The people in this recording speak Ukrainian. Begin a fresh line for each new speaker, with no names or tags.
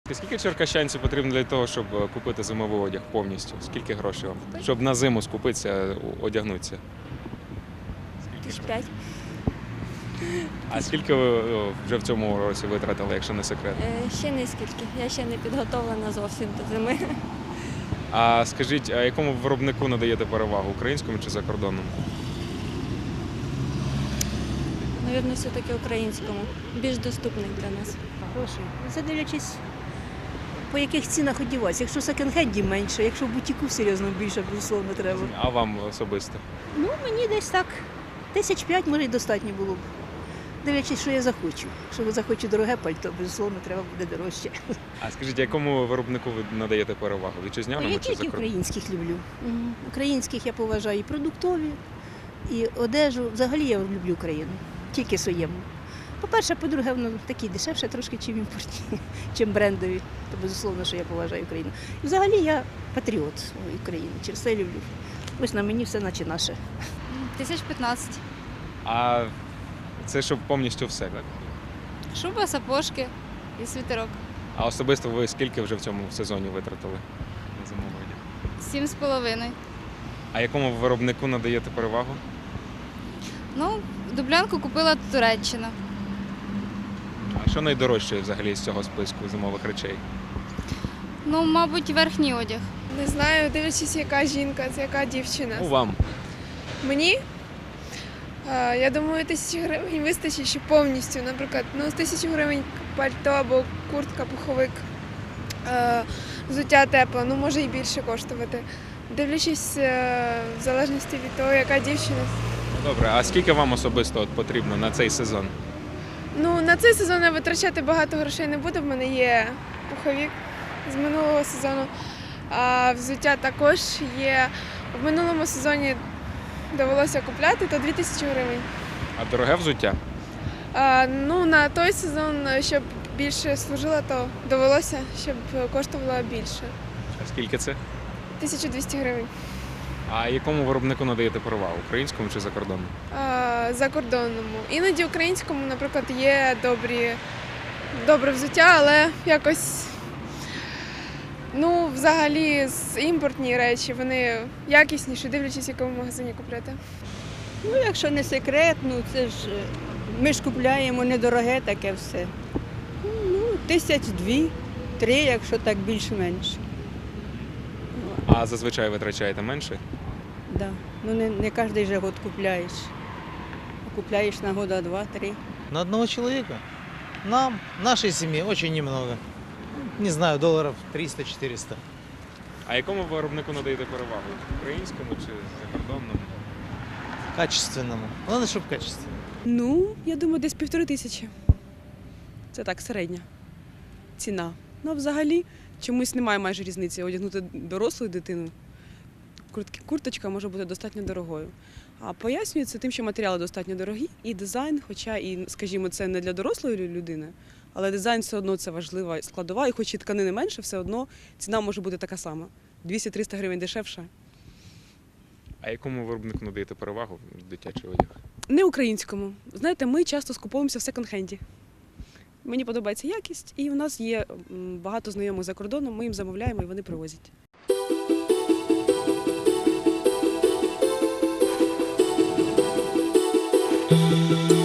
Скільки черкащанцю потрібно для того, щоб купити зимовий одяг повністю? Скільки грошей вам? Щоб на зиму скупитися, одягнутися?
1005.
А скільки ви вже в цьому році витратили, якщо не секрет?
Ще не скільки. Я ще не підготовлена зовсім до зими.
А скажіть, а якому виробнику надаєте перевагу? Українському чи закордонному?
Навірно, все-таки українському. Більш доступний для нас.
Грошей. Це дивлячись, по яких цінах одіватися. Якщо в секонд-хенді менше, якщо в бутіку серйозно більше, безусловно, треба.
А вам особисто?
Ну, мені десь так 1005, може, й достатньо було б. Дивлячись, що я захочу. Якщо захочу дороге пальто, безусловно, треба буде дорожче.
А скажіть, якому виробнику ви надаєте перевагу? Вітчизняному
Я
чи
тільки
закордонному?
українських люблю. Українських я поважаю і продуктові, і одежу. Взагалі я люблю Україну, тільки своєму. По-перше, по-друге, воно такі дешевше трошки, чим імпортні, чим брендові. То безусловно, що я поважаю Україну. І взагалі я патріот України, через це люблю. Ось на мені все наче наше.
1015.
А це щоб повністю все, так?
Шуба, сапожки і світерок.
А особисто ви скільки вже в цьому сезоні витратили на зимовий одяг?
7,5.
А якому виробнику надаєте перевагу?
Ну, дублянку купила Туреччина.
А що найдорожче взагалі з цього списку зимових речей?
Ну, мабуть, верхній одяг.
Не знаю, дивлячись, яка жінка, це яка дівчина.
Ну, вам.
Мені, я думаю, 1000 гривень вистачить ще повністю. Наприклад, з 1000 гривень пальто або куртка, пуховик, взуття тепле, може і більше коштувати. Дивлячись, в залежності від того, яка дівчина.
Добре, а скільки вам особисто потрібно на цей сезон?
На цей сезон я витрачати багато грошей не буду, в мене є пуховик з минулого сезону, а взуття також є. В минулому сезоні довелося купляти, то 2000 гривень.
А дороге взуття?
На той сезон, щоб більше служило, то довелося, щоб коштувало більше.
А скільки це?
1200 гривень.
А якому виробнику надаєте перевагу? Українському чи закордонному?
Закордонному. Іноді українському, наприклад, є добре взуття, але якось, взагалі, імпортні речі, вони якісніші, дивлячись, в якому магазині купляти.
Якщо не секрет, це ж ми ж купляємо недороге таке все. 1002-3, якщо так більш-менш.
А зазвичай витрачаєте менше?
Да. Не кожен же год купляєш. Купляєш на года 2-3.
На одного человека? Нам, нашей семье, очень немного. Не знаю, долларов 300-400.
А якому виробнику надаєте перевагу? Українському чи закордонному?
Качественному. Главное, чтобы качественно.
Я думаю, десь 1500. Це так, середня ціна. Взагалі, чомусь немає майже різниці. Одягнути дорослу дитину, курточка може бути достатньо дорогою. А пояснюється тим, що матеріали достатньо дорогі, і дизайн, хоча, скажімо, це не для дорослої людини, але дизайн все одно це важлива складова, і хоч і тканини менше, все одно ціна може бути така сама. 200-300 гривень дешевша.
А якому виробнику надаєте перевагу дитячий одяг?
Не українському. Знаєте, ми часто скуповуємося в секонд-хенді. Мені подобається якість, і у нас є багато знайомих за кордоном, ми їм замовляємо і вони привозять.
Thank you.